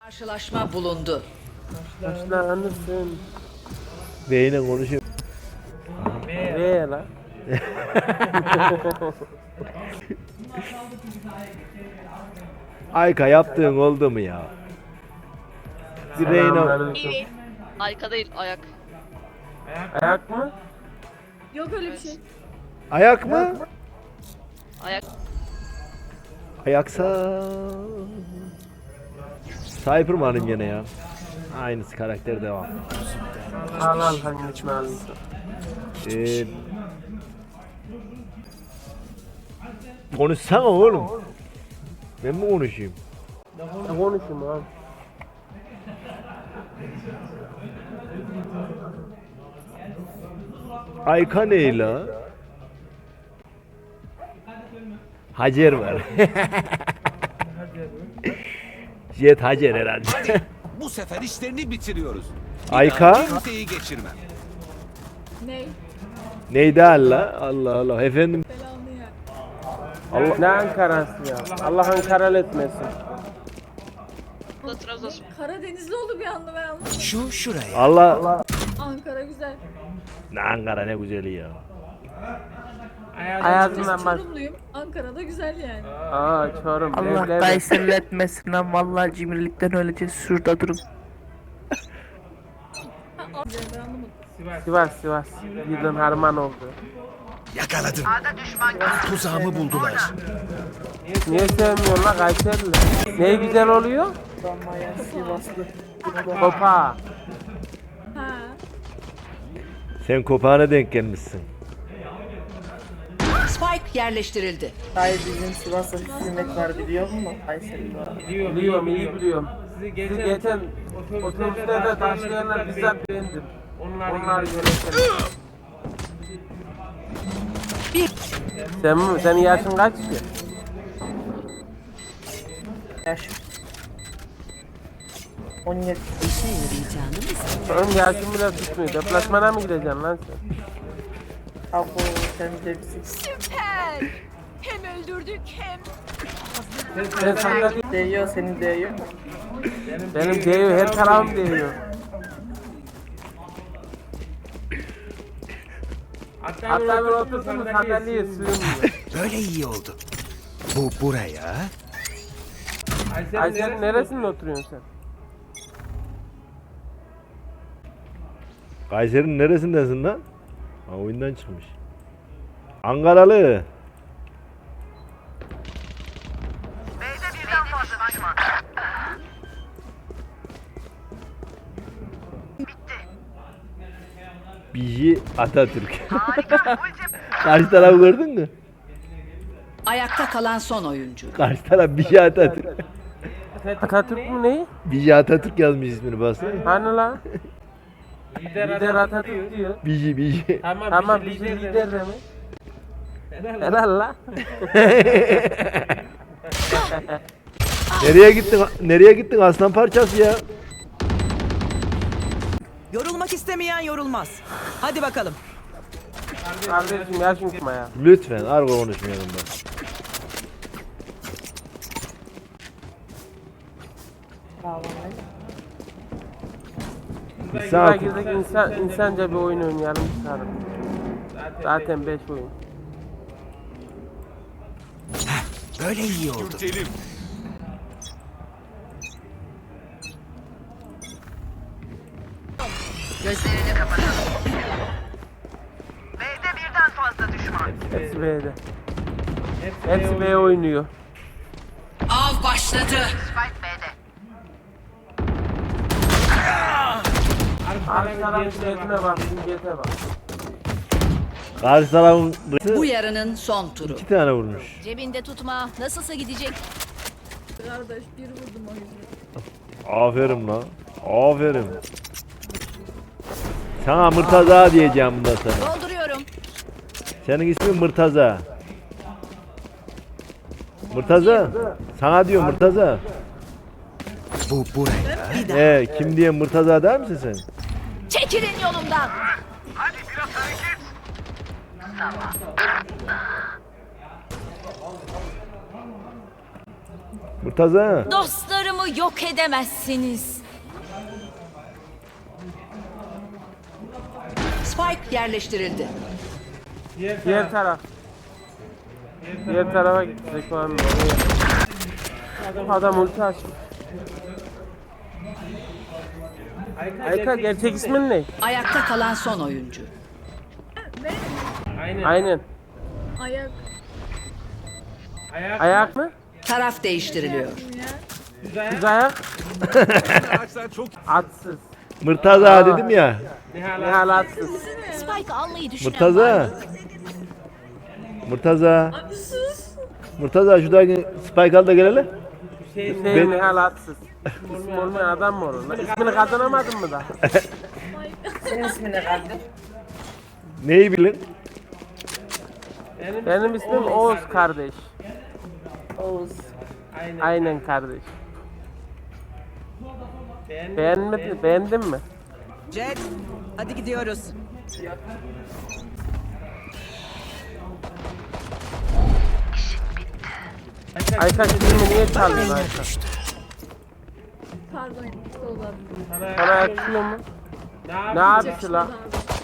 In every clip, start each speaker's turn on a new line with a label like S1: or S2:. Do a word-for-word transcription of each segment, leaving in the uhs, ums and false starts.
S1: Karşılaşma bulundu.
S2: Başlanırsın.
S3: Beyine konuşuyor.
S2: Ve lan.
S3: Ayka yaptığın oldu mu ya? Bir Reyna
S2: Selamünaleyküm.
S4: Ayka değil, ayak.
S2: Ayak mı?
S5: Yok öyle bir şey.
S3: ayak mı?
S4: Ayak.
S3: Ayaksa Cyberman'ım gene ya. Aynısı karakter devam.
S2: Al al hangisini alayım?
S3: Ee, konuşsana oğlum. Ben mi konuşayım?
S2: Ne konuşayım abi?
S3: Ayka ne la? Hacer var. Jet Hacer herhalde.
S6: Bu sefer işlerini bitiriyoruz. Bir
S3: Ayka?
S6: daha kimseyi geçirmem.
S5: Ney?
S3: Neydi Allah? Allah Allah. Efendim.
S5: Belanı ya.
S2: Allah, ne Ankara'sı ya? Allah Ankaralı etmesin.
S4: Bu da Trabzonspor.
S5: Karadenizli oldu bir anda ben anlamadım.
S6: Şu şuraya.
S3: Allah.
S5: Ankara güzel.
S3: Ne Ankara ne güzeli ya.
S2: Hayatımdan
S5: Ben
S2: bak.
S5: Çorumluyum. Ankara'da güzel yani.
S2: Aa Çorum.
S7: Allah
S2: evler-
S7: Kayseri'l etmesin lan, vallahi cimrilikten öleceğiz, şurada durun.
S5: Ha, al- güzel, ben anlamadım.
S2: Sivas Sivas. Yıldın harman oldu.
S6: Yakaladım. Tuzağımı buldular.
S2: Niye sevmiyorsun lan Kayserili? Ne güzel oluyor? Kopa.
S5: Ha.
S3: Sen kopağına denk gelmişsin.
S1: Spike yerleştirildi.
S7: Hayır, bizim Sivas'ta bir hizmet var biliyor musun? Kayseri var.
S2: Biliyorum iyi biliyorum. Sizi geçen otobüslerde taşlayanlar bizzat bendim. Onlar yöneten.
S1: Bir
S2: Sen mi? Senin yaşın kaç ki?
S7: Yaş. on yedi.
S2: Benim yaşım bile tutmuyor. Deplasmana mı gideceksin lan sen?
S7: Abo, sen de bizi
S5: Hem öldürdük hem.
S2: Sen sakla
S7: değiyor, seni değiyor.
S2: benim değiyor, her tarafım değiyor. Hatta bir otursun sandalyeye sığmıyor.
S6: Böyle iyi oldu. Bu buraya.
S2: Ay sen neresinde oturuyorsun sen?
S3: Kayseri'nin neresindesin lan? Ha, oyundan çıkmış. Ankaralı. Biji Atatürk. Karşı tarafı gördün mü?
S1: ayakta kalan son oyuncu.
S3: Karşı taraf Biji Atatürk.
S2: Atatürk mü ne?
S3: Biji Atatürk yazmış ismini baksana.
S2: Hani lan? Lider Atatürk diyor.
S3: Biji Biji.
S2: Tamam bizim lider de mi? Helal la.
S3: Nereye gittin? Nereye gittin aslan parçası ya?
S8: Yorulmak istemeyen yorulmaz. Hadi bakalım.
S2: Kardeşim yaşın çıkma ya.
S3: Lütfen argo konuşmayalım da.
S2: Bir
S3: Sağ
S2: girdik insan, insanca bir oyun oynayalım çıkarım. Zaten beş oyun.
S6: Böyle iyi oldu.
S1: Gözlerini kapatalım.
S2: Hepsi B'de. Hepsi B oynuyor.
S1: Av başladı.
S2: Karşı tarafın jetine bak, bizim jete bak.
S3: Karşı tarafın
S1: Bu yarının son turu.
S3: iki tane vurmuş.
S4: Cebinde tutma. Nasılsa gidecek.
S5: Kardeş bir vurdum o yüzden.
S3: Aferin lan. Aferin. Sana Mırtaza diyeceğim bundan sonra.
S4: Dolduruyorum.
S3: Senin ismin Mırtaza. Mırtaza. Sana diyor Mırtaza.
S6: Bu buraya.
S3: Ee, kim diye Mırtaza der misin sen?
S4: Çekilin yolumdan.
S3: Mırtaza.
S4: Dostlarımı Dostlarımı yok edemezsiniz.
S1: Spike yerleştirildi.
S2: Diğer taraf. Diğer tarafa gidecek var mı? Adam ulti açmış. Ayka gerçek ismin ne?
S1: Ayakta kalan son oyuncu.
S2: Aynen.
S5: Ayak.
S2: Ayak mı?
S1: Taraf değiştiriliyor.
S5: Ya.
S2: Düz ayak. Atsız.
S3: Mırtaza dedim ya.
S2: Nihal atsız.
S4: Spike almayı düşünen var
S3: Mırtaza.
S4: mı?
S3: Mırtaza.
S5: Abi sus.
S3: Mırtaza şuradaki spike al da gel hele.
S2: Hüseyin Nihal atsız. İsmi olmayan adam mı olur lan? İsmini kazanamadın mı da?
S7: Senin ismin ne kardeş?
S3: Neyi bilin?
S2: Benim ismim Oğuz kardeş.
S7: Oğuz.
S2: Aynen kardeş. Beğenmedin, beğendin mi?
S8: Jet, hadi gidiyoruz.
S2: Ayka filmi niye çaldın Ayka?
S5: Pardon. Dolar.
S2: Sana yakışmıyor mu? Ne yapıyorsun lan?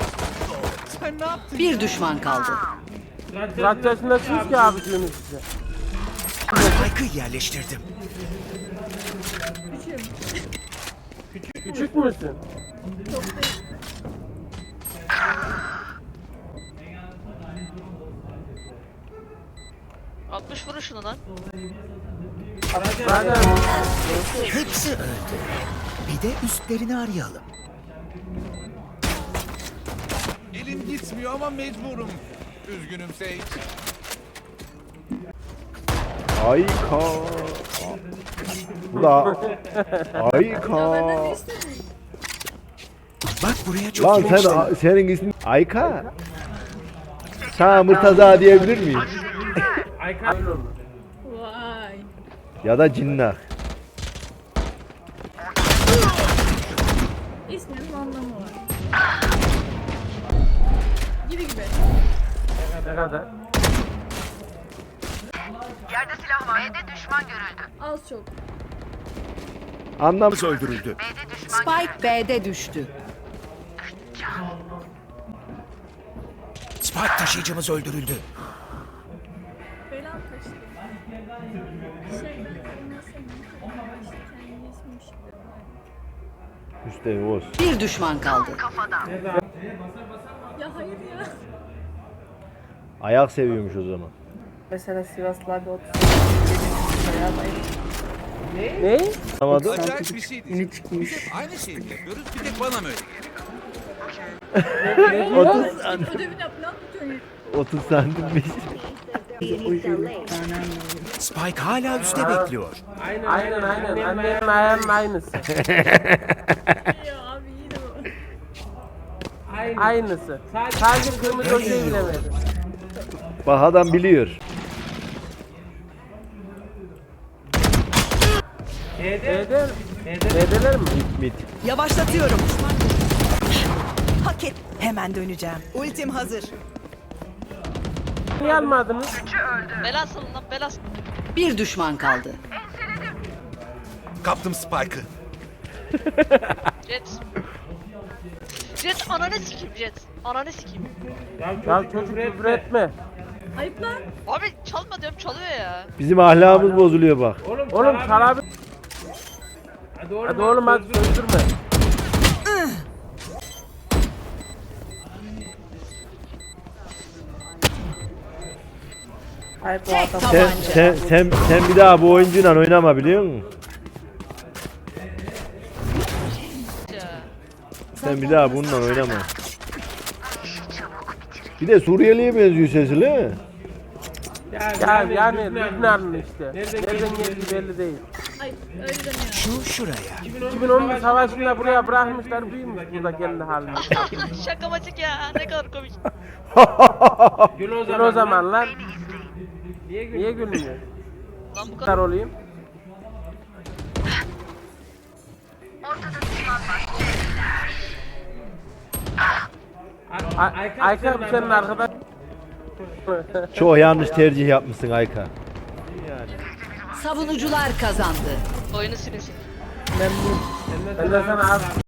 S1: Bir düşman kaldı.
S2: Kaç yaşındasınız ki abiciniz size?
S6: Spike'ı yerleştirdim.
S2: Küçük müsün?
S4: altmış vurun şunu lan.
S2: Zaten
S6: Hepsi öldü. Bir de üstlerini arayalım.
S9: Elim gitmiyor ama mecburum. Üzgünüm Sage.
S3: Ayka. Bu da Ayka.
S5: Benden ne istedin?
S6: Bak buraya çok
S3: Lan
S6: hoş.
S3: sen senin ismin Ayka. Sana Mırtaza diyebilir miyim?
S2: Ayka öyle olur.
S5: Vay.
S3: Ya da Cinnah.
S5: İsminin anlamı var. Gibi gibi.
S2: Ne kadar?
S5: Az çok.
S3: Anlam
S6: öldürüldü.
S1: Spike B'de düştü.
S6: Spike taşıyıcımız öldürüldü.
S5: Belan kaçtı. Şey ben ona senin işte kendi ismim şimdi.
S3: Üstelik Oğuz.
S1: Bir düşman kaldı.
S5: Ya hayır ya.
S3: Ayak seviyormuş o zaman.
S7: Mesela Sivaslı abi otuz. Bayağı bayılır.
S2: Ne?
S3: Anlamadım.
S9: Acayip bir şey değil.
S7: Yeni çıkmış.
S9: Hep aynı şeyi yapıyoruz. Bir tek bana mı öyle?
S3: otuz,
S5: Ödevini yap ne yapıyorsun ya?
S3: otuz santimmiş.
S6: Spike hala üstte bekliyor.
S2: Aynen aynen. Annemin ayağının aynısı.
S5: Ya abi iyi de bu.
S2: Aynısı. Sadece kırmızı ojeyi bilemedi.
S3: Bak adam biliyor.
S2: B'de B'deler mi?
S3: Mit mit.
S8: Yavaşlatıyorum. Hak et. Hemen döneceğim. Ultim hazır.
S2: Niye almadınız?
S4: Bela salın lan bela salın.
S1: Bir düşman kaldı.
S6: Kaptım Spike'ı.
S4: Jet. Jet ananı sikeyim Jet. Ananı sikeyim.
S2: Ya çocuk küfür etme.
S5: Ayıp lan.
S4: Abi çalma diyorum çalıyor ya.
S3: Bizim ahlakımız bozuluyor bak.
S2: Oğlum çal abi. Hadi oğlum hadi sözdürme.
S7: Hayır bu
S1: Tek
S7: adam.
S3: Sen,
S1: tabanca.
S3: sen, sen, sen bir daha bu oyuncuyla oynama biliyor musun?
S4: Ya.
S3: Sen bir daha bununla oynama. Bir de Suriyeli'ye benziyor sesi değil mi?
S2: Ya yani Lübnanlı işte. Nereden geldiği belli değil.
S5: Ay öyle demiyor.
S6: Şu şuraya.
S2: iki bin on bir savaşında buraya bırakmışlar büyümüş burada kendi haline.
S4: Şaka maçık ya ne kadar komik.
S2: Gül o zamanlar. Niye gülmüyor?
S4: Lan bu kadar.
S2: Kadar olayım. Ay- Ayka bu senin arkadaş.
S3: Çok yanlış tercih yapmışsın Ayka.
S1: Savunucular kazandı.
S4: Oyunu silin silin.
S7: Memnun.
S2: Ben de sana az